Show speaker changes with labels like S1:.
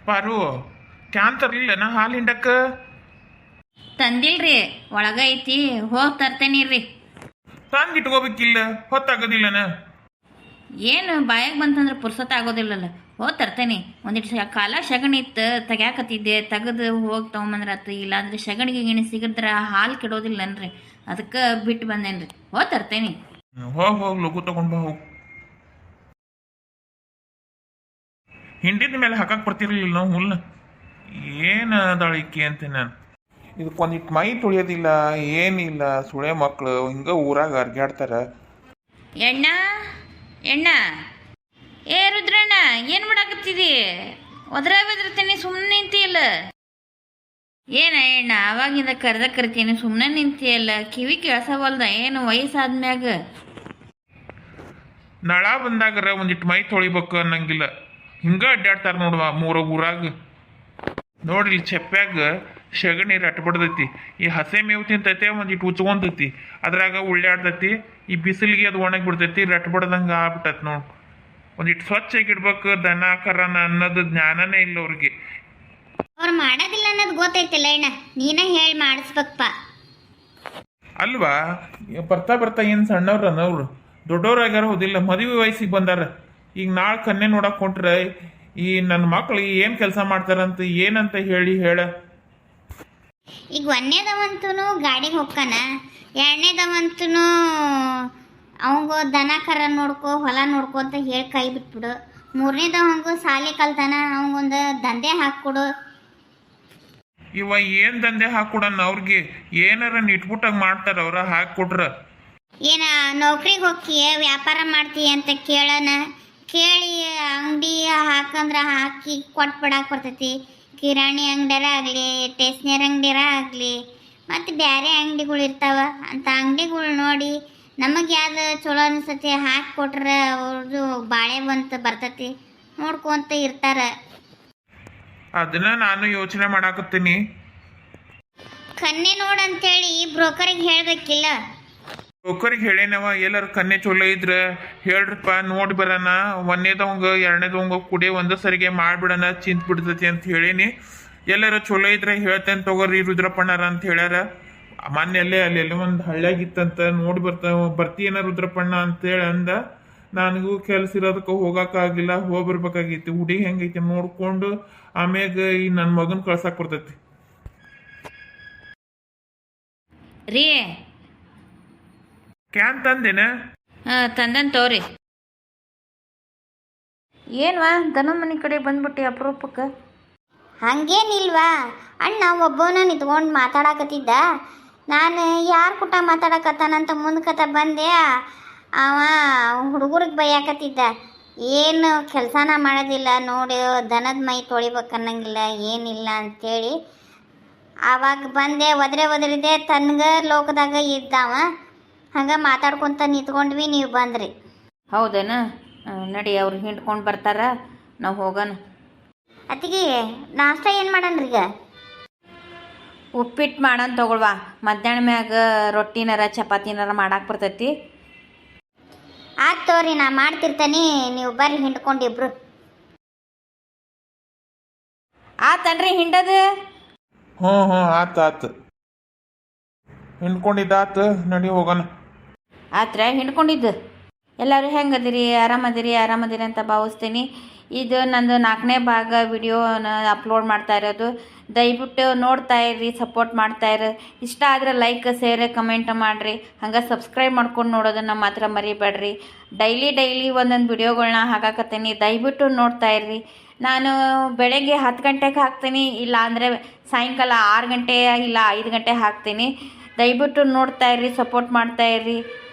S1: ಪಾರು ಕ್ಯಾನ್ ತರ್ಲಿಲ್ಲನ ಹಾಲು ಹಿಂಡಕ್ಕ
S2: ತಂದಿಲ್ರಿ ಒಳಗ ಐತಿ ಹೋಗಿ ತರ್ತೇನಿರ್ರಿ.
S1: ತಂದು ಇಟ್ಕೋಬೇಕಿಲ್ಲ ಹೊತ್ತಾಗೋದಿಲ್ಲನ.
S2: ಏನು ಬಾಯಾಗ ಬಂತಂದ್ರೆ ಪುರ್ಸೊತ್ತ ಆಗೋದಿಲ್ಲಲ್ಲ, ಹೋಗಿ ತರ್ತೇನೆ. ಒಂದಿಟ್ಟು ಕಾಲ ಸಗಣಿ ಇತ್ತು ತೆಗ್ಯಾಕತ್ತಿದ್ದೆ, ತೆಗೆದು ಹೋಗಿ ತೊಗೊಂಬಂದ್ರಾತು. ಇಲ್ಲಾಂದ್ರೆ ಸಗಣಿಗೆ ಗಿಣಿ ಸಿಗದ್ರ ಹಾಲು ಕೆಡೋದಿಲ್ಲನ್ರಿ, ಅದಕ್ಕೆ ಬಿಟ್ಟು ಬಂದೇನ್ರಿ. ಹೋಗಿ ತರ್ತೇನೆ.
S1: ಹೋಗಿ ಲಘು ತಗೊಂಡ್ ಬಾ ಹೋಗಿ. ಹಿಂಡಿದ ಮೇಲೆ ಹಾಕಕ್ಕೆ ಬರ್ತಿರ್ಲಿಲ್ಲ ನಾವು ಹುಲ್ನ. ಏನು ಅದಾಳಿಕೆ ಅಂತ ನಾನು ಇದಕ್ಕೊಂದಿಟ್ಟು ಮೈ ತುಳಿಯೋದಿಲ್ಲ ಏನಿಲ್ಲ. ಸುಳೆ ಮಕ್ಕಳು ಹಿಂಗೆ ಊರಾಗ ಅರ್ಗ್ಯಾಡ್ತಾರ.
S2: ಎಣ್ಣ ಎಣ್ಣ, ಏ ರುದ್ರಣ್ಣ, ಏನು ಮಾಡಾಕತ್ತಿದಿ? ಒದ್ರಾಗದ್ರತೀನಿ ಸುಮ್ಮನೆ ನಿಂತಿಯಲ್ಲ. ಏನ ಎಣ್ಣ ಅವಾಗಿಂದ ಕರಿತೀನಿ ಸುಮ್ಮನೆ ನಿಂತಿಯಲ್ಲ, ಕಿವಿ ಕೇಳ್ಸವಲ್ದ ಏನು ವಯಸ್ಸಾದ್ಮ್ಯಾಗ?
S1: ನಳ ಬಂದಾಗರ ಒಂದಿಟ್ಟು ಮೈ ತೊಳಿಬೇಕು ಅನ್ನಂಗಿಲ್ಲ, ಹಿಂಗೆ ಅಡ್ಡಾಡ್ತಾರ ನೋಡುವ ಊರಾಗ. ನೋಡ್ರಿ ಚೆಪ್ಪ್ಯಾಗ ಸಗಣಿ ರಟ್ಬಡ್ದೈತಿ. ಈ ಹಸೆ ಮೇವು ತಿಂತೈತೆ ಒಂದಿಟ್ಟು ಉಚ್ಕೊಂತೈತಿ, ಅದ್ರಾಗ ಉಳ್ಳಾಡ್ತೈತಿ. ಈ ಬಿಸಿಲಿಗೆ ಅದು ಒಣಗಿ ಬಿಡ್ತೈತಿ, ರಟ್ಬಡ್ದಂಗೆ ಆಗ್ಬಿಟ್ಟೈತಿ ನೋಡು. ಒಂದಿಟ್ಟು ಸ್ವಚ್ಛಾಗಿಡ್ಬೇಕು ದನ ಕರನ ಅನ್ನೋದು ಜ್ಞಾನನೇ ಇಲ್ಲ ಅವ್ರಿಗೆ.
S3: ಅವ್ರು ಮಾಡೋದಿಲ್ಲ ಅನ್ನೋದು ಗೊತ್ತೈತಿಲ್ಲ ಅಣ್ಣ, ನೀನೇ ಹೇಳಿ ಮಾಡಿಸ್ಬೇಕಪ್ಪ.
S1: ಅಲ್ವಾ ಬರ್ತಾ ಬರ್ತಾ ಏನು ಸಣ್ಣವ್ರನ ಅವ್ರು ದೊಡ್ಡವ್ರಾಗ್ಯಾರ ಹೋದಿಲ್ಲ, ಮದುವೆ ವಯಸ್ಸಿಗೆ ಬಂದಾರ. ಈಗ ನಾಳೆ ಕನ್ನೆ ನೋಡಕ್ ಹೊಂಟ್ರೆ ಈ ನನ್ನ ಮಕ್ಳು ಏನು ಕೆಲಸ ಮಾಡ್ತಾರಂತ ಏನಂತ ಹೇಳ.
S3: ಈಗ ಒಂದನೇದವಂತೂ ಗಾಡಿಗೆ ಹೋಗ್ತಾನ, ಎರಡನೇದವಂತೂ ಅವಂಗ ದನ ಕರ ನೋಡ್ಕೊ ಹೊಲ ನೋಡ್ಕೊ ಅಂತ ಹೇಳಿ ಕೈ ಬಿಟ್ಬಿಡು. ಮೂರನೇದವಂಗು ಸಾಲಿ ಕಲ್ತಾನ, ಅವಂಗೊಂದು ದಂಧೆ ಹಾಕ್ಕೊಡು.
S1: ಇವ ಏನು ದಂಧೆ ಹಾಕ್ಕೊಡಣ ಅವ್ರಿಗೆ? ಏನಾರ ಇಟ್ಬಿಟ್ಟಾಗ ಮಾಡ್ತಾರ ಅವ್ರ ಹಾಕ್ಕೊಟ್ರ.
S3: ಏನ ನೌಕರಿಗೆ ಹೋಗ್ತೀಯ ವ್ಯಾಪಾರ ಮಾಡ್ತೀಯ ಅಂತ ಕೇಳೋಣ, ಕೇಳಿ ಅಂಗಡಿ ಹಾಕಂದ್ರೆ ಹಾಕಿ ಕೊಟ್ಬಿಡಾಕ ಬರ್ತೈತಿ. ಕಿರಾಣಿ ಅಂಗಡಿಯಾರ ಆಗಲಿ, ಸ್ಟೇಷ್ನರಿ ಅಂಗಡಿಯಾರ ಆಗಲಿ, ಮತ್ತು ಬೇರೆ ಅಂಗಡಿಗಳು ಇರ್ತಾವ. ಅಂಥ ಅಂಗಡಿಗಳು ನೋಡಿ ನಮಗೆ ಯಾವ್ದು ಚಲೋ ಅನಿಸ್ತತಿ ಹಾಕಿ ಕೊಟ್ರೆ ಅವ್ರದ್ದು ಬಾಳೆ ಬಂತ ಬರ್ತೈತಿ, ನೋಡ್ಕೊಂತ ಇರ್ತಾರೆ.
S1: ಅದನ್ನ ನಾನು ಯೋಚನೆ ಮಾಡಾಕತ್ತೀನಿ.
S3: ಕನ್ನೆ ನೋಡಂತೇಳಿ ಬ್ರೋಕರಿಗೆ ಹೇಳಬೇಕಿಲ್ಲ.
S1: ಬ್ರೋಕರಿಗೆ ಹೇಳೇನವ, ಎಲ್ಲರ ಕನ್ನೆ ಚಲೋ ಇದ್ರ ಹೇಳ್ರಪ್ಪ ನೋಡಿ ಬರೋಣ, ಒಂದನೇದವಂಗ ಎರಡನೇದವಂಗ ಕುಡಿ ಒಂದೇ ಸರಿಗೆ ಮಾಡ್ಬಿಡೋಣ, ಚಿಂತ ಬಿಡ್ತೈತಿ ಅಂತ ಹೇಳೀನಿ. ಎಲ್ಲರ ಚಲೋ ಇದ್ರೆ ಹೇಳ್ತೇನೆ ತಗೋರಿ ರುದ್ರಪ್ಪಣ್ಣರ ಅಂತ ಹೇಳ್ಯಾರ. ಮೊನ್ನೆ ಅಲ್ಲಿ ಒಂದು ಹಳ್ಳಿಯಾಗಿತ್ತಂತ ನೋಡಿ ಬರ್ತೀಯನ ರುದ್ರಪ್ಪಣ್ಣ ಅಂತೇಳಿ ಅಂದ. ನನಗೂ ಕೆಲಸ ಇರೋದಕ್ಕೆ ಹೋಗೋಕ್ಕಾಗಿಲ್ಲ, ಹೋಗ್ಬರ್ಬೇಕಾಗೈತಿ. ಹುಡುಗಿ ಹೆಂಗೈತಿ ನೋಡ್ಕೊಂಡು ಆಮ್ಯಾಗ ಈ ನನ್ನ ಮಗನ ಕಳ್ಸಕ್ಕೆ ಬರ್ತೈತಿ
S2: ರೀ.
S1: ಕ್ಯಾನ್ ತಂದೇನ?
S2: ತಂದನ್ ತೋರಿ. ಏನ್ವಾ ದನ ಮನೆ ಕಡೆ ಬಂದ್ಬಿಟ್ಟು ಅಪರೂಪಕ್ಕೆ?
S3: ಹಂಗೇನಿಲ್ವಾ ಅಣ್ಣ ಒಬ್ಬನ ನಿಂತ್ಕೊಂಡು ಮಾತಾಡಕತ್ತಿದ್ದ. ನಾನು ಯಾರು ಕೂಟ ಮಾತಾಡಕತ್ತಾನಂತ ಮುಂದ್ಕತ ಬಂದೆ. ಅವ ಹುಡುಗರಿಗೆ ಬೈಯಾಕತ್ತಿದ್ದ, ಏನು ಕೆಲಸನ ಮಾಡೋದಿಲ್ಲ ನೋಡಿ, ದನದ ಮೈ ತೊಳಿಬೇಕನ್ನಂಗಿಲ್ಲ ಏನಿಲ್ಲ ಅಂಥೇಳಿ. ಆವಾಗ ಬಂದೆ, ಒದರಿದೆ. ತನ್ಗ ಲೋಕದಾಗ ಇದ್ದಾವ, ಹಂಗೆ ಮಾತಾಡ್ಕೊತ ನಿಂತ್ಕೊಂಡ್ವಿ, ನೀವು ಬಂದ್ರಿ.
S2: ಹೌದೇನ? ನಡಿ, ಅವ್ರು ಹಿಂಡ್ಕೊಂಡು ಬರ್ತಾರ, ನಾವು ಹೋಗೋಣ.
S3: ಅತ್ತಿಗೆ ನಾಷ್ಟ ಏನು ಮಾಡಣ್ರಿ ಈಗ?
S2: ಉಪ್ಪಿಟ್ಟು ಮಾಡೋಣ ತಗೊಳ್ವಾ. ಮಧ್ಯಾಹ್ನ ಮ್ಯಾಗ ರೊಟ್ಟಿನಾರ ಚಪಾತಿನಾರ ಮಾಡಕ್ಕೆ ಬರ್ತೈತಿ.
S3: ಆಯ್ತು ತೋರಿ, ನಾ ಮಾಡ್ತಿರ್ತಾನೆ, ನೀವು ಬರ್ರಿ ಹಿಂಡ್ಕೊಂಡಿಬ್ರು.
S2: ಆತನ್ರಿ ಹಿಂಡದು?
S1: ಹ್ಞೂ ಆತು ಹಿಂಡ್ಕೊಂಡಿದ್ದಾತು, ನಡಿ ಹೋಗೋಣ.
S2: ಆತ್ರ ಹಿಂಡ್ಕೊಂಡಿದ್ದು. ಎಲ್ಲರೂ ಹೆಂಗದಿರಿ? ಆರಾಮದಿರಿ ಅಂತ ಭಾವಿಸ್ತೀನಿ. ಇದು ನಂದು 4ನೇ ಭಾಗ ವಿಡಿಯೋನ ಅಪ್ಲೋಡ್ ಮಾಡ್ತಾ ಇರೋದು. ದಯವಿಟ್ಟು ನೋಡ್ತಾ ಇರ್ರಿ, ಸಪೋರ್ಟ್ ಮಾಡ್ತಾಯಿರಿ. ಇಷ್ಟ ಆದರೆ ಲೈಕ್ ಶೇರ್ ಕಮೆಂಟ್ ಮಾಡಿರಿ. ಹಂಗೆ ಸಬ್ಸ್ಕ್ರೈಬ್ ಮಾಡ್ಕೊಂಡು ನೋಡೋದನ್ನು ಮಾತ್ರ ಮರಿಬೇಡ್ರಿ. ಡೈಲಿ ಒಂದೊಂದು ವಿಡಿಯೋಗಳನ್ನ ಹಾಕಾಕತ್ತೀನಿ, ದಯವಿಟ್ಟು ನೋಡ್ತಾ ಇರ್ರಿ. ನಾನು ಬೆಳಗ್ಗೆ 10 ಗಂಟೆಗೆ ಹಾಕ್ತೀನಿ, ಇಲ್ಲ ಅಂದರೆ ಸಾಯಂಕಾಲ 6 ಗಂಟೆ ಇಲ್ಲ 5 ಗಂಟೆ ಹಾಕ್ತೀನಿ. ದಯವಿಟ್ಟು ನೋಡ್ತಾ ಇರ್ರಿ, ಸಪೋರ್ಟ್ ಮಾಡ್ತಾ ಇರ್ರಿ.